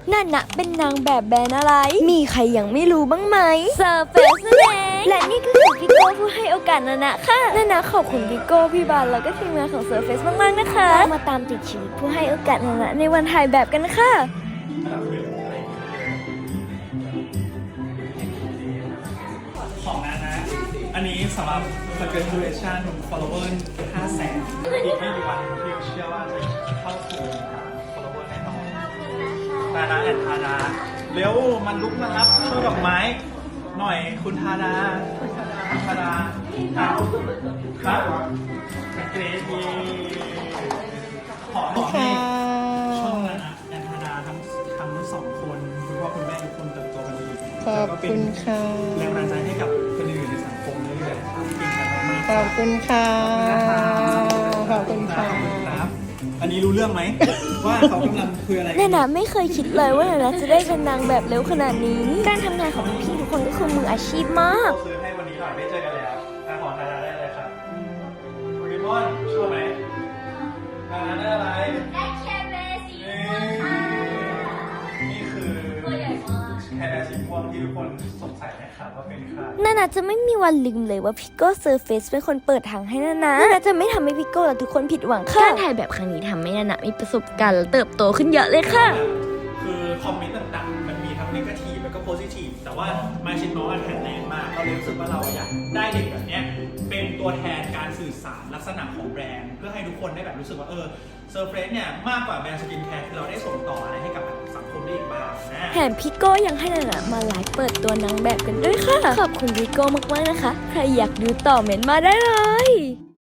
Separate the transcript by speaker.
Speaker 1: นั่นนะเป็นนางแบบแบรนด์อะไรมีใครยังไม่รู้บ้างไหมเซอร์เฟสนั่นเองและนี่ก็คือพี่โก้ผู้ให้โอกาสนานะค่ะนานะขอบคุณพี่โก้พี่บานแล้วก็ทีมงานของเซอร์เฟสมากๆนะคะมาตามติดชีวิตผู้ให้โอกาสนานะในวันถ่ายแบบกันค่ะ
Speaker 2: ของนะอันนี้สำหรับ congratulation follower 500,000 อีกไม่กี่วันที่เชื่อว่าจะเข้าสู่ follower แน่นอนนาแอนทาดาเร็วมันลุกมารับช่วยดอกไม้หน่อยคุณทาดาครับเกรดดีขอให้ช่องนาแอนทาดาทั้งสองคนคุณพ่อคุณแม่ทุกคนเติบโตกันดี
Speaker 3: ขอบคุณค่ะ
Speaker 2: แรงบันดาลใจให้กับคนอื่นในสังคมเรื่อยๆครับเก่งกันมากๆ
Speaker 3: ขอบคุณค่ะขอบคุณค่ะ
Speaker 2: ครับอันนี้รู้เรื่องไหม ว่าเขากำลังคุยอะไร
Speaker 1: นานะไม่เคยคิดเลยว่านานะจะได้เป็นนางแบบเร็วขนาดนี้การทำงานของพี่ทุกคนก็คือมืออาชีพมาก
Speaker 2: ซื้อให้วันนี้หน่อยได้เจอกันแล้วขอทานาได้เลยครับโปเกมอนชอบไหมทานาได้อะไรได้แคร์แบร์สีม่วงค่ะนี่คือตัวใหญ่มากแคร์แบร์สีม่วงที่ทุกคนสงสัยนะครับว่าเป็นใคร
Speaker 1: นานาจะไม่มีวันลืมเลยว่าพี่โก้เซอร์เฟสเป็นคนเปิดทางให้นานาจะไม่ทำให้พี่โก้และทุกคนผิดหวังค่ะการถ่ายแบบครั้งนี้ทำให้นานามีประสบการณ์และเติบโตขึ้นเยอะเลยค่ะ
Speaker 2: คือคอมเมนต์ต่างๆมันมีทั้งเนกาทีฟแล้วก็โพซิทีฟแต่ว่ามาชินน้องแข็งแรงมากเราเลยรู้สึกว่าเราอยากได้เด็กแบบนี้เป็นตัวแทนการสื่อสารลักษณะของแบรนด์เพื่อให้ทุกคนได้แบบรู้สึกว่าเซอร์เฟรชเนี่ยมากกว่าแบรนด์สกินแคร์ที่เราได้ส่งต่ออะไรให้กับสังคมได้อีกบ้างนะ
Speaker 1: แถมพี่โก้ยังให้นานามาไลฟ์เปิดตัวนางแบบกันด้วยค่ะขอบคุณพี่โก้มากๆนะคะใครอยากดูต่อเม้นต์มาได้เลย